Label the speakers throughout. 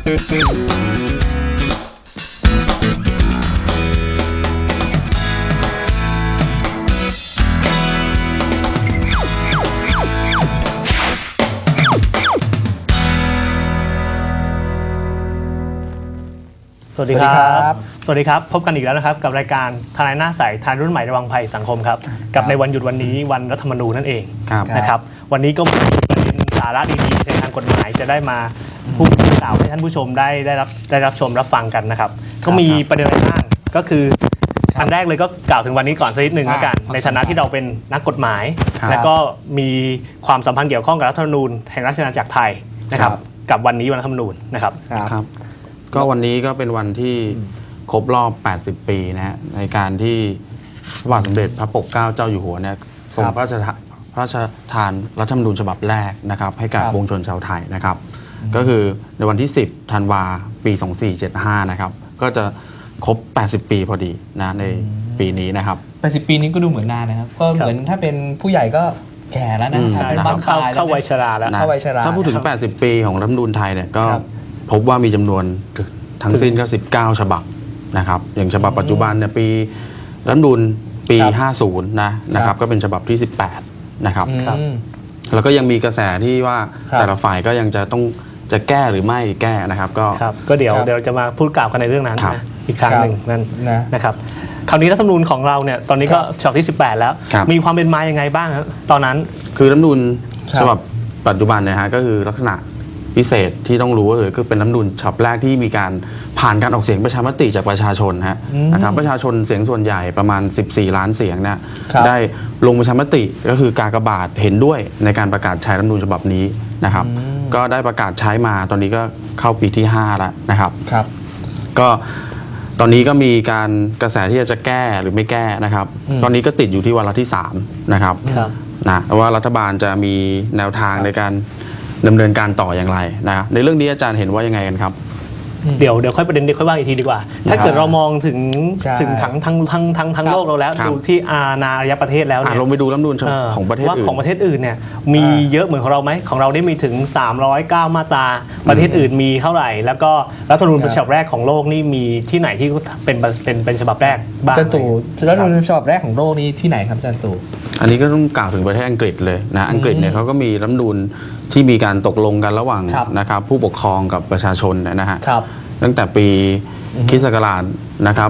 Speaker 1: สวัสดีครับสวัสดีครับพบกันอีกแล้วนะครับกับรายการทนายหน้าใสทนายรุ่นใหม่ระวังภัยสังคมครับกับในวันหยุดวันนี้วันรัฐธรรมนูญนั่นเองนะครับวันนี้ก็มีประเด็นสาระดีๆในทางกฎหมายจะได้มาพูดกล่าวให้ท่านผู้ชมได้รับชมรับฟังกันนะครับก็มีประเด็นอะไรบ้างก็คืออันแรกเลยก็กล่าวถึงวันนี้ก่อนสักนิดหนึ่งแล้วกันในฐานะที่เราเป็นนักกฎหมายและก็มีความสัมพันธ์เกี่ยวข้องกับรัฐธรรมนูญแห่งราชอาณาจักรไทยนะครับกับวันนี้วันรัฐธรรมนูญนะครับ
Speaker 2: ก็วันนี้ก็เป็นวันที่ครบรอบ80 ปีนะฮะในการที่พระบาทสมเด็จพระปกเกล้าเจ้าอยู่หัวเนี่ยทรงพระราชทานรัฐธรรมนูญฉบับแรกนะครับให้กับปวงชนชาวไทยนะครับก็คือในวันที่10 ธันวาปี 2475นะครับก็จะครบ80 ปีพอดีนะในปีนี้นะครับ
Speaker 3: 80 ปีนี้ก็ดูเหมือนนานนะครับก็เหมือนถ้าเป็นผู้ใหญ่ก็แก่แล้วนะ
Speaker 1: เข้าวัยชราแล้ว
Speaker 2: ถ้าพูดถึง80 ปีของรัฐธรรมนูญไทยเนี่ยก็พบว่ามีจำนวนทั้งสิ้นก็19 ฉบับนะครับอย่างฉบับปัจจุบันเนี่ยปีรัฐธรรมนูญปี 50 นะครับก็เป็นฉบับที่ 18 นะครับแล้วก็ยังมีกระแสที่ว่าแต่ละฝ่ายก็ยังจะแก้หรือไม่แก้นะครับ
Speaker 1: ก็เดี๋ยวจะมาพูดกล่าวกันในเรื่องนั้นอีกครั้งหนึ่งนั่นนะครับคราวนี้รัฐธรรมนูญของเราเนี่ยตอนนี้ก็ฉบับที่ 18 แล้วมีความเป็นมายังไงบ้างครับตอนนั้น
Speaker 2: คือรัฐธรรมนูญฉบับปัจจุบันนะฮะก็คือลักษณะพิเศษที่ต้องรู้ก็คือเป็นรัฐธรรมนูญฉบับแรกที่มีการผ่านการออกเสียงประชามติจากประชาชนนะครับประชาชนเสียงส่วนใหญ่ประมาณ14 ล้านเสียงเนี่ยได้ลงประชามติก็คือกากบาทเห็นด้วยในการประกาศใช้รัฐธรรมนูญฉบับนี้นะครับก็ได้ประกาศใช้มาตอนนี้ก็เข้าปีที่5แล้วนะครับก็ตอนนี้ก็มีการกระแสที่จะแก้หรือไม่แก้นะครับตอนนี้ก็ติดอยู่ที่วาระที่3นะครับนะว่ารัฐบาลจะมีแนวทางในการดำเนินการต่ออย่างไรนะในเรื่องนี้อาจารย์เห็นว่ายังไงกันครับ
Speaker 1: เดี๋ยวค่อยประเด็นเดี๋ยวค่อยว่าอีกทีดีกว่าถ้าเกิดเรามองถึงทั้งโลกเราแล้วดูที่อาณาประเทศแล้วเนี่ย
Speaker 2: ลงไปดูรัฐธรรมนูญของประเทศอื่น
Speaker 1: ว่าของประเทศอื่นเนี่ยมีเยอะเหมือนของเราไหมของเราได้มีถึง309 มาตราประเทศอื่นมีเท่าไหร่แล้วก็รัฐธรรมนูญฉบับแรกของโลกนี่มีที่ไหนที่เป็นฉบับแรกบ้าง
Speaker 3: จันตู่รัฐธรรมนูญฉบับแรกของโลกนี้ที่ไหนครับจันตู่
Speaker 2: อันนี้ก็ต้องกล่าวถึงประเทศอังกฤษเลยนะอังกฤษเนี่ยเขาก็มีรัฐธรรมนูญที่มีการตกลงกันระหว่างนะครับผู้ปกครองกับประชาชนนะฮะตั้งแต่ปีค.ศ. นะครับ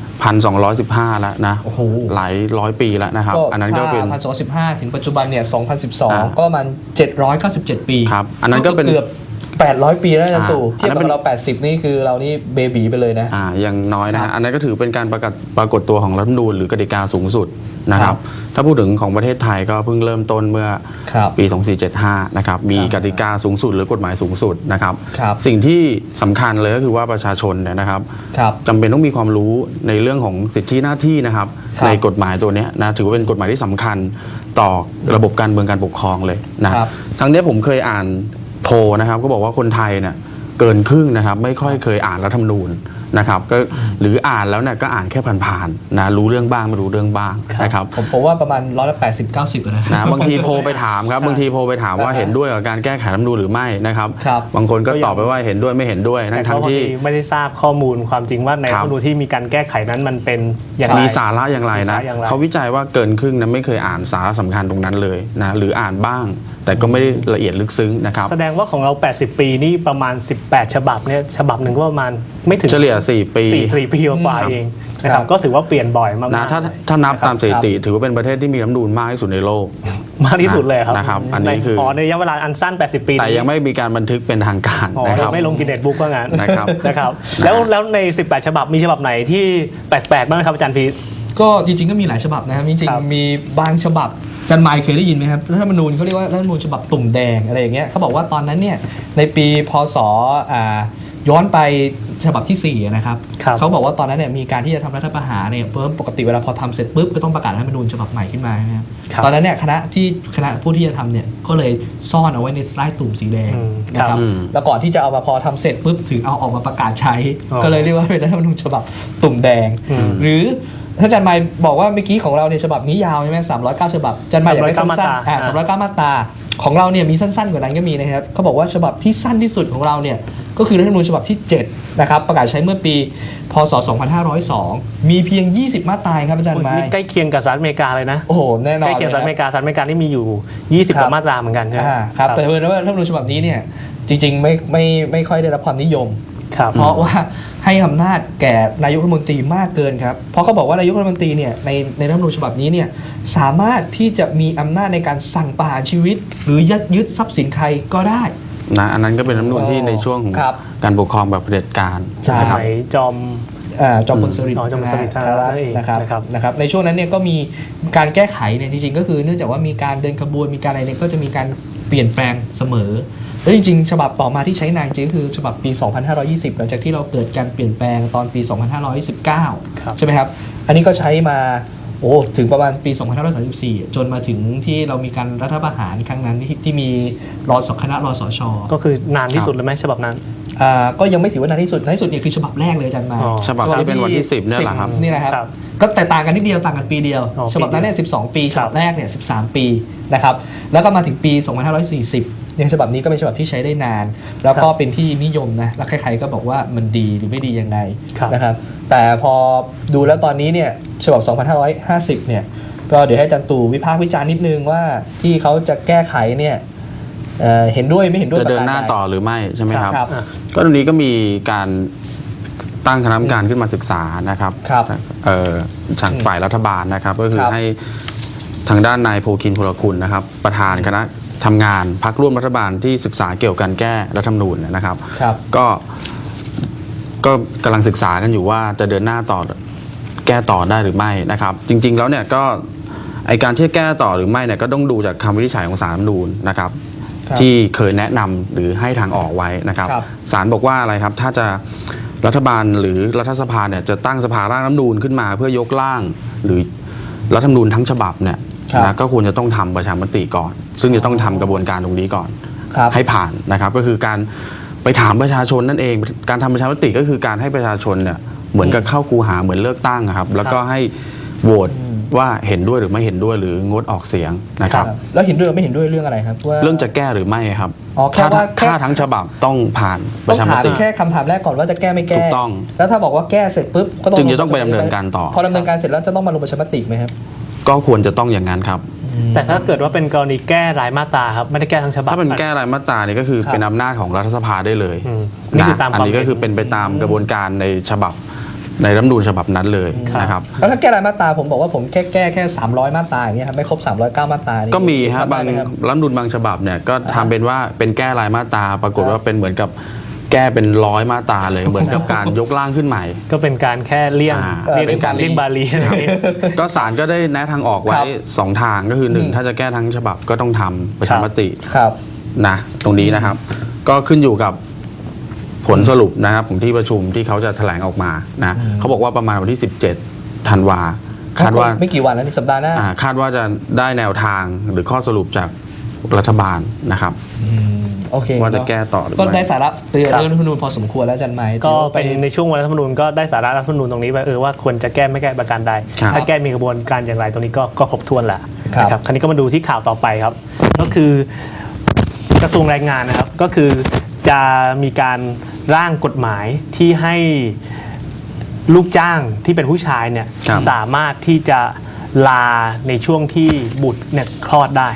Speaker 2: 1215แล้วนะหลายร้อยปีแล้วนะครับ
Speaker 3: อันนั้นก็เป็น1215ถึงปัจจุบันเนี่ย2012ก็มัน797 ปี
Speaker 2: ครับอันนั้นก็เป็น
Speaker 3: เกือบ800 ปีแล้วจันตู่เทียบกับเรา80นี่คือเรานี่เบบีไปเลยนะ
Speaker 2: ยังน้อยนะอันนั้นก็ถือเป็นการปรากฏตัวของรัฐธรรมนูญหรือกติกาสูงสุดนะครับถ้าพูดถึงของประเทศไทยก็เพิ่งเริ่มต้นเมื่อปี2475นะครับมีกติกาสูงสุดหรือกฎหมายสูงสุดนะครับสิ่งที่สำคัญเลยก็คือว่าประชาชนเนี่ยนะครับจำเป็นต้องมีความรู้ในเรื่องของสิทธิหน้าที่นะครับในกฎหมายตัวนี้นะถือว่าเป็นกฎหมายที่สำคัญต่อระบบการเมืองการปกครองเลยนะทั้งนี้ผมเคยอ่านโทรนะครับก็บอกว่าคนไทยเนี่ยเกินครึ่งนะครับไม่ค่อยเคยอ่านรัฐธรรมนูญนะครับก็หรืออ่านแล้วเนี่ยก็อ่านแค่ผ่านๆนะรู้เรื่องบ้างไม่รู้เรื่องบ้างนะครับ
Speaker 3: ผมว่าประมาณ80-90
Speaker 2: นะบางทีโทรไปถามครับบางทีโทรไปถามว่าเห็นด้วยกับการแก้ไขรัฐธรรมนูญหรือไม่นะครับบางคนก็ตอบไปว่าเห็นด้วยไม่เห็นด้วยทั้งที่
Speaker 1: ไม่ได้ทราบข้อมูลความจริงว่าในรัฐธรรมนูญที่มีการแก้ไขนั้นมันเป็น
Speaker 2: อย่างมีสาระอย่างไรนะเขาวิจัยว่าเกินครึ่งนั้นไม่เคยอ่านสาระสำคัญตรงนั้นเลยนะหรืออ่านบ้างแต่ก็ไม่ได้ละเอียดลึกซึ้งนะครับ
Speaker 1: แสดงว่าของเรา80 ปีนี่ประมาณ18 ฉบับเนี่ยฉบับหนึ่งก็ประมาณไม่ถึง
Speaker 2: เฉลี่ย4 ปี
Speaker 1: กว่าเองนะครับก็ถือว่าเปลี่ยนบ่อยมาก
Speaker 2: นะถ้านับตามสถิติถือว่าเป็นประเทศที่มีรัฐธรรมนูญมากที่สุดในโลก
Speaker 1: มากที่สุดเลยครับ
Speaker 2: นะครับอันนี้คือ
Speaker 1: ในระยะเวลาอันสั้น80 ปี
Speaker 2: แต่ยังไม่มีการบันทึกเป็นทางการ
Speaker 1: นะครับไม่ลงกินเน็ตบุ๊กว่างั้นนะครับแล้วใน18 ฉบับมีฉบับไหนที่แปลกๆบ้างครับอาจารย์พีท
Speaker 3: ก็จริงๆก็มีหลายฉบับนะครับจริงๆมีบางฉบับจันไมค์เคยได้ยินไหมครับรัฐธรรมนูญเขาเรียกว่ารัฐธรรมนูญฉบับตุ่มแดงอะไรอย่างเงี้ยเขาบอกว่าตอนนั้นเนี่ยในปีพ.ศ.ย้อนไปฉบับที่4นะครับเขาบอกว่าตอนนั้นเนี่ยมีการที่จะทำรัฐประหารเนี่ยปกติเวลาพอทำเสร็จปุ๊บก็ต้องประกาศรัฐธรรมนูญฉบับใหม่ขึ้นมาครับตอนนั้นเนี่ยคณะผู้ที่จะทำเนี่ยก็เลยซ่อนเอาไว้ในใต้ตุ่มสีแดงนะครับแล้วก่อนที่จะเอามาพอทำเสร็จปุ๊บถึงเอาออกมาประกาศใช้ก็เลยเรียกว่าเป็นรัฐธรรมนูญฉบับตุ่มแดงหรือถ้าอาจารย์หมายบอกว่าเมื่อกี้ของเราเนี่ยฉบับนี้ยาวใช่ไหม309 ฉบับอาจารย์หมายอยากได้สั้นๆ309 มาตราของเราเนี่ยมีสั้นๆกว่านั้นก็มีนะครับเขาบอกว่าฉบับที่สั้นที่สุดของเราเนี่ยก็คือรัฐธรรมนูญฉบับที่7นะครับประกาศใช้เมื่อปีพศ2502มีเพียง20 มาตราครับอาจารย์หมาย
Speaker 1: ใกล้เคียงกับสหรัฐอเมริกาเลยนะ
Speaker 3: โอ้โหแน่นอน
Speaker 1: ใกล้เคียงสหรัฐอเมริกานี่มีอยู่20กว่ามาตราเหมือนกันใช่ไหม
Speaker 3: ครับแต่เพื่อนว่ารัฐธรรมนูญฉบับนี้เนี่ยจริงๆไม่ค่อยได้รับความนิยม
Speaker 1: ครับ
Speaker 3: เพราะว่าให้อำนาจแก่นายกรัฐมนตรีมากเกินครับเพราะเขาบอกว่านายกรัฐมนตรีเนี่ยในรัฐธรรมนูญฉบับนี้เนี่ยสามารถที่จะมีอำนาจในการสั่งประหารชีวิต หรือยึดทรัพย์สินใครก็ได้
Speaker 2: นะอันนั้นก็เป็นรัฐธรรมนูญที่ในช่วงของ
Speaker 3: ครับ
Speaker 2: การปกครองแบบเผด็จการ
Speaker 3: ใช่
Speaker 1: สมัยจอม
Speaker 3: จอมพลสฤษดิ์
Speaker 1: จอมพลสฤษดิ์ธาราช
Speaker 3: นะครับในช่วงนั้นเนี่ยก็มีการแก้ไขเนี่ยจริงๆก็คือเนื่องจากว่ามีการเดินขบวนมีการอะไรเนี่ยก็จะมีการเปลี่ยนแปลงเสมอแล้วจริงๆฉบับต่อมาที่ใช้นานจริงก็คือฉบับปี 2520 หลังจากที่เราเกิดการเปลี่ยนแปลงตอนปี 2519 ใช่ไหมครับอันนี้ก็ใช้มาถึงประมาณปี 2534 จนมาถึงที่เรามีการรัฐประหารครั้งนั้นที่มีคณะรสช.
Speaker 1: ก็คือนานที่สุดเลยไหมฉบับนั้น
Speaker 3: ก็ยังไม่ถือว่านานที่สุดเนี่ยคือฉบับแรกเลยอาจารย์มา
Speaker 2: ฉบับที่เป็นวันที่ 10เนี่ยแหละครับ
Speaker 3: นี่นะครับ
Speaker 1: ครับ
Speaker 3: ก็แต่ต่างกันนิดเดียวต่างกันปีเดียว
Speaker 1: อ๋อ
Speaker 3: ฉบับนั้นเนี่ย12 ปี
Speaker 1: ค
Speaker 3: ฉ
Speaker 1: รับ
Speaker 3: บับแรกเนี่ย13 ปีนะครับแล้วก็มาถึงปี 2540เนี่ยฉบับนี้ก็เป็นฉบับที่ใช้ได้นาน แล้วก็เป็นที่นิยมนะแล้วใครๆก็บอกว่ามันดีหรือไม่ดียังไง
Speaker 1: ครับ
Speaker 3: นะครับแต่พอดูแล้วตอนนี้เนี่ยฉบับ 2550 เนี่ยก็เดี๋ยวให้อาจารย์ตู่วิพากษ์วิจารณ์นิดนึงว่าที่เขาจะแก้ไขเนี่ยเห็นด้วยไม่เห็นด้วย
Speaker 2: จะเดินหน้า
Speaker 3: ประกรใ
Speaker 2: ต่อหรือไม่ใช่ไหมครับ
Speaker 3: ครับ
Speaker 2: ก็ตรงนี้ก็มีการตั้งคณะกรรมการขึ้นมาศึกษานะครับ
Speaker 3: ครับ
Speaker 2: จากฝ่ายรัฐบาลนะครับ ก็คือ
Speaker 3: ครับ
Speaker 2: ให้ทางด้านนายโพคินพลคุณนะครับ ประธานคณะทำงานพรรคร่วมรัฐบาลที่ศึกษาเกี่ยวกับการแก้รัฐธรรมนูญนะครับ
Speaker 3: ครับ
Speaker 2: ก็กำลังศึกษากันอยู่ว่าจะเดินหน้าต่อแก้ต่อได้หรือไม่นะครับ จริงๆแล้วเนี่ยก็ไอการที่จะแก้ต่อหรือไม่เนี่ยก็ต้องดูจากคำวินิจฉัยของศาลรัฐธรรมนูญนะครับ
Speaker 3: ครับ
Speaker 2: ที่เคยแนะนำหรือให้ทางออกไว้นะครับ
Speaker 3: ครับ
Speaker 2: ศาลบอกว่าอะไรครับถ้าจะรัฐบาลหรือรัฐสภาเนี่ยจะตั้งสภาร่างรัฐธรรมนูญขึ้นมาเพื่อยกร่างหรือรัฐธรรมนูญทั้งฉบับเนี่ย
Speaker 3: ครับ
Speaker 2: นะก็ควรจะต้องทำประชามติก่อน ซึ่งจะต้องทำกระบวนการตรงนี้ก่อน
Speaker 3: ครับ
Speaker 2: ให้ผ่านนะครับก็คือการไปถามประชาชนนั่นเอง การทำประชามติก็คือการให้ประชาชนเนี่ยเหมือนกับเข้าคูหาเหมือนเลือกตั้งอะครับแล้วก็ให้โหวตว่าเห็นด้วยหรือไม่เห็นด้วยหรืองดออกเสียงนะครับ
Speaker 3: แล้วเห็นด้วยไม่เห็นด้วยเรื่องอะไรครับว่า
Speaker 2: เรื่องจะแก้หรือไม่ครับ
Speaker 3: อ๋อแค่ว่าแค่
Speaker 2: ถ้าทั้งฉบับต้องผ่านป
Speaker 3: ต้อ
Speaker 2: ระ
Speaker 3: ง
Speaker 2: ชาม
Speaker 3: ถาม
Speaker 2: ติ
Speaker 3: แค่คำถามแรกก่อนว่าจะแก้ไม่แก้
Speaker 2: ถูกต้อง
Speaker 3: แล้วถ้าบอกว่าแก้เสร็จปุ๊บก็ต้อง
Speaker 2: จึงจะต้องไปดำเนินการต่อ
Speaker 3: พอดำเนินการเสร็จแล้วจะต้องมาลงประชามติไหมครับ
Speaker 2: ก็ควรจะต้องอย่างนั้นครับ
Speaker 1: แต่ถ้าเกิดว่าเป็นกรณีแก้รายมาตราครับไม่ได้แก้ทั้งฉบับ
Speaker 2: ถ้าเป็นแก้รายมาตราเนี่ยก็คือ
Speaker 3: ครับ
Speaker 2: เป็นอำนาจของรัฐสภาได้เลย
Speaker 1: อืมนี่คือตาม
Speaker 2: อันนี้ก็คือเป็นไปตามกระบวนการในฉบับในรัฐธรรมนูญฉบับนั้นเลยนะครับ
Speaker 3: แล้วถ้าแก้รายมาตราผมบอกว่าผมแก้แค่300 มาตราอย่างเงี้ยครับไม่ครบ309 มาตรานี่
Speaker 2: ก็มีฮะ
Speaker 3: ทำได้
Speaker 2: บาง
Speaker 3: ไหครับ
Speaker 2: รัฐธรรมนูญบางฉบับเนี่ยก็ทำเป็นว่าเป็นแก้รายมาตราปรากฏว่าเป็นเหมือนกับแก้เป็น100 มาตราเลย เหมือนกับการยกร่างขึ้นใหม่
Speaker 1: ก็เป็นการแค่เลี่ยง
Speaker 3: เป็นการ
Speaker 1: เลี่ยงบาลีอะไรอย่างนี้
Speaker 2: ก็ศาลก็ได้แนะทางออกไว้
Speaker 3: ครับ
Speaker 2: 2 ทางก็คือ1ถ้าจะแก้ทั้งฉบับก็ต้องทำประชามติ
Speaker 3: ครับ
Speaker 2: นะตรงนี้นะครับ ก็ขึ้นอยู่กับผลสรุปนะครับของที่ประชุมที่เขาจะแถลงออกมานะเขาบอกว่าประมาณวันที่ 17 ธันวาคาดว่า
Speaker 3: ไม่กี่วันแล้วนี่สัปดาห์หน้า
Speaker 2: คาดว่าจะได้แนวทางหรือข้อสรุปจากรัฐบาลนะครับ
Speaker 3: โอเค
Speaker 2: ว่าจะแก้ต่อหรือ
Speaker 3: ก็
Speaker 2: ไม่
Speaker 3: ได้สาระเรื่อง
Speaker 1: ครับ
Speaker 3: รัฐธรรมนูญพอสมควรแล้วอาจันไม้
Speaker 1: ก็เป็นในช่วงวันรัฐธรรมนูญก็ได้สาระรัฐธรรมนูญตรงนี้ไปว่าควรจะแก้ไม่แก้ประการใด
Speaker 2: ครับ
Speaker 1: ถ้าแก้มีกระบวนการอย่างไรตรงนี้ก็ครบถ้วนแหละ
Speaker 3: ครับ
Speaker 1: นะครับคราวนี้ก็มาดูที่ข่าวต่อไปครับ ก็คือกระทรวงแรงงานนะครับก็คือจะมีการร่างกฎหมายที่ให้ลูกจ้างที่เป็นผู้ชายเนี่ย
Speaker 2: ครับ
Speaker 1: สามารถที่จะลาในช่วงที่บุตรเนี่ยคลอดได้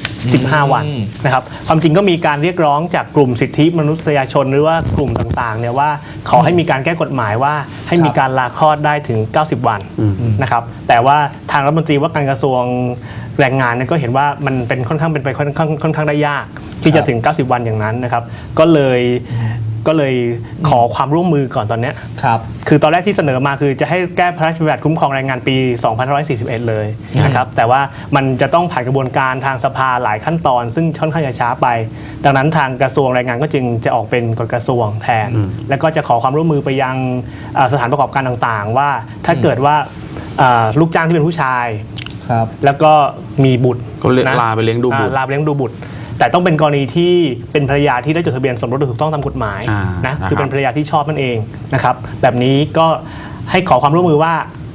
Speaker 1: 15 วันนะครับความจริงก็มีการเรียกร้องจากกลุ่มสิทธิมนุษยชนหรือว่ากลุ่มต่างๆเนี่ยว่าขอให้มีการแก้กฎหมายว่าให้มีการลาคลอดได้ถึง 90 วันนะครับแต่ว่าทางรัฐมนตรีว่าการกระทรวงแรงงานเนี่ยก็เห็นว่ามันเป็นค่อนข้างเป็นไปค่อนข้างได้ยาก ที่จะถึง 90 วันอย่างนั้นนะครับก็เลยขอความร่วมมือก่อนตอนเนี้ย
Speaker 3: ครับ
Speaker 1: คือตอนแรกที่เสนอมาคือจะให้แก้พระราชบัญญัติคุ้มครองแรงงานปี 2541 เลยนะครับแต่ว่ามันจะต้องผ่านกระบวนการทางสภาหลายขั้นตอน ซึ่งค่อนข้างจะช้าไป ดังนั้นทางกระทรวงแรงงานก็จึงจะออกเป็นกฎกระทรวงแทน แล้วก็จะขอความร่วมมือไปยังสถานประกอบการต่างๆ ว่าถ้าเกิดว่าลูกจ้างที่เป็นผู้ชาย
Speaker 3: ครับ
Speaker 1: แล้วก็มีบุตร
Speaker 2: ก็เรียก
Speaker 1: นะ
Speaker 2: ลาไปเลี้ยงดูบุตร
Speaker 1: ลาไปเลี้ยงดูบุตร แต่ต้องเป็นกรณีที่เป็นภรรยาที่ได้จดทะเบียนสมรสโดยถูกต้องตามกฎหมาย
Speaker 2: นะ
Speaker 1: คือเป็นภรรยาที่ชอบนั่นเองนะครับแบบนี้ก็ให้ขอความร่วมมือว่า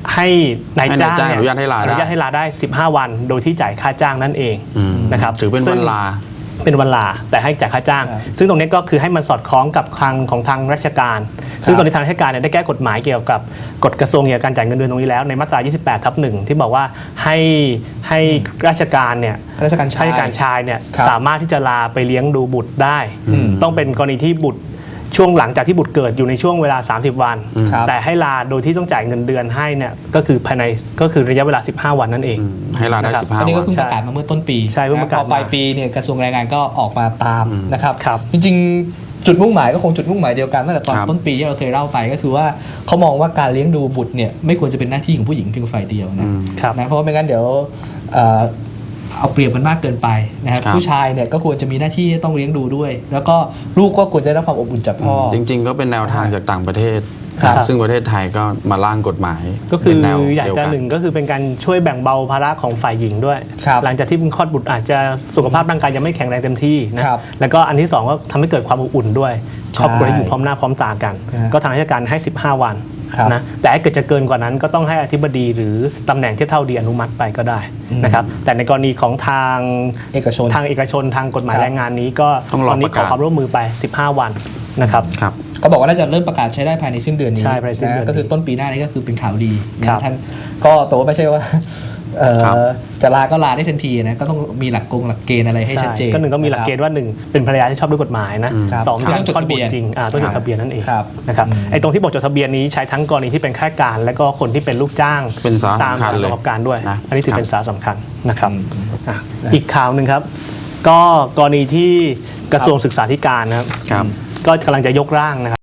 Speaker 1: ให้นายจ้าง
Speaker 2: ให้นายจ้างอนุญาตให้ลาได้
Speaker 1: อนุญาตให้ลาได้ 15 วัน โดยที่จ่ายค่าจ้างนั่นเอง นะครับ
Speaker 2: ถือเป็น
Speaker 1: ซึ่
Speaker 2: วั
Speaker 1: ง
Speaker 2: นลา
Speaker 1: เป็นวันลาแต่ให้จ่ายค่าจ้าง
Speaker 3: ครับ
Speaker 1: ซึ่งตรงนี้ก็คือให้มันสอดคล้องกับทางราชการ ซึ่งตอนนี้ทางราชการเนี่ยได้แก้กฎหมายเกี่ยวกับกฎกระทรวงเกี่ยวกับการจ่ายเงินเดือนตรงนี้แล้วในมาตรา 28/1 ที่บอกว่าให้ราชการเนี่ย
Speaker 3: ข้าราชการชาย
Speaker 1: ข้าราชการชายเนี่ย
Speaker 3: ครับ
Speaker 1: สามารถที่จะลาไปเลี้ยงดูบุตรได้
Speaker 3: อืม
Speaker 1: ต้องเป็นกรณีที่บุตรช่วงหลังจากที่บุตรเกิดอยู่ในช่วงเวลา 30 วัน
Speaker 3: ครับ
Speaker 1: แต่ให้ลาโดยที่ต้องจ่ายเงินเดือนให้เนี่ยก็คือภายในก็คือระยะเวลา 15 วันนั่นเอง
Speaker 2: ให้ลาได้
Speaker 1: นะครับ
Speaker 2: 15
Speaker 3: อันนี้
Speaker 2: วั
Speaker 3: ก็
Speaker 2: น
Speaker 3: เพิ่งประกาศมาเมื่อต้นปี
Speaker 1: ใช่เพิ่งประกาศ
Speaker 3: พอปลาย
Speaker 1: มา
Speaker 3: ปีเนี่ยกระทรวงแรงงานก็ออกมาตามนะครับ
Speaker 1: ครับ
Speaker 3: จริงๆจุดมุ่งหมายก็คงจุดมุ่งหมายเดียวกันตั้งแต่ตอน
Speaker 2: ครับ
Speaker 3: ต้นปีที่เราเคยเล่าไปก็คือว่าเขามองว่าการเลี้ยงดูบุตรเนี่ยไม่ควรจะเป็นหน้าที่ของผู้หญิงเพียงฝ่ายเดียวนะครับ นะเพราะว่าไม่งั้นเดี๋ยวเอาเปรียบกันมากเกินไปนะครับ
Speaker 2: ครับ
Speaker 3: ผู้ชายเนี่ยก็ควรจะมีหน้าที่ต้องเลี้ยงดูด้วย แล้วก็ลูกก็ควรจะได้รับความอบอุ่นจากพ่อ
Speaker 2: จริง ๆ ก็เป็นแนวทางจากต่างประเทศ
Speaker 3: ครับ
Speaker 2: ซึ่งประเทศไทยก็มาร่างกฎหมาย
Speaker 1: ก็คือ
Speaker 2: เป็นแนว
Speaker 1: อยาก
Speaker 2: เดียว
Speaker 1: จะ
Speaker 2: กัน
Speaker 1: หนึ่งก็คือเป็นการช่วยแบ่งเบาภาระของฝ่ายหญิงด้วย
Speaker 3: ครับ
Speaker 1: หลังจากที่เพิ่งคลอดบุตรอาจจะสุขภาพร่างกายยังไม่แข็งแรงเต็มที่นะครับ แล้วก็อันที่สองก็ทำให้เกิดความอบอุ่นด้วยครอบครัวได้อยู่พร้อมหน้าพร้อมตากัน
Speaker 3: นะฮะ
Speaker 1: ก็ทางราชการให้ 15 วัน
Speaker 3: ครับ
Speaker 1: นะแต่ถ้าเกิดจะเกินกว่านั้นก็ต้องให้อธิบดีหรือตำแหน่งเทียบเท่าดีอนุมัติไปก็ได้นะครับแต่ในกรณีของทาง
Speaker 3: เอกชน
Speaker 1: ทางเอกชนทางกฎหมาย
Speaker 3: ครับ
Speaker 1: แรงงานนี้ก็
Speaker 2: ต้องรอ
Speaker 1: ตอนนี้
Speaker 2: ประ
Speaker 1: ข
Speaker 2: กา
Speaker 1: อ
Speaker 2: ศ
Speaker 1: ความร่วมมือไป 15 วันนะครับ
Speaker 2: ครับ
Speaker 3: ก็บอกว่าน่าจะเริ่มประกาศใช้ได้ภายในสิ้นเดือนนี้
Speaker 1: ใช่ภายในสิ้นเดือนนี้
Speaker 3: ก็คือต้นปีหน้านี้ก็คือเป็นข่าวดี
Speaker 1: ครับ
Speaker 3: นะท่านก็แต่ว่าไม่ใช่ว่า
Speaker 2: ครับ
Speaker 3: จะลาก็ลาได้ทันทีนะก็ต้องมีหลักเกณฑ์อะไรให้ชัดเจน
Speaker 1: ก็หนึ่งต้องมีหลักเกณฑ์ว่าหนึ่งเป็นภรรยาที่ชอบด้วยกฎหมายนะครับ สอง
Speaker 3: ครับ
Speaker 1: การ
Speaker 3: ต้องจด
Speaker 1: คลอด
Speaker 3: ทะเบี
Speaker 1: บุต
Speaker 3: ยน
Speaker 1: รจริงต้องจดทะเบียนนั่นเอง
Speaker 3: ครับ
Speaker 1: นะครับไอ้ตรงที่บอกจดทะเบียนนี้ใช้ทั้งกรณีที่เป็นข้าราชการ และก็คนที่เป็นลูกจ้าง
Speaker 2: เป็นสาระ
Speaker 1: ตาม
Speaker 2: สำคัญเลย
Speaker 1: ประกอบการด้วย
Speaker 2: นะ
Speaker 1: อันนี้ถือเป็น
Speaker 2: ครับ
Speaker 1: สาระสำคัญนะครับ
Speaker 3: อืม
Speaker 1: อ่ะอีกข่าวหนึ่งครับ ก็กรณีที่กระทรวงศึกษาธิการนะครับ
Speaker 2: ครับ
Speaker 1: ก็กำลังจะยกร่างนะครับ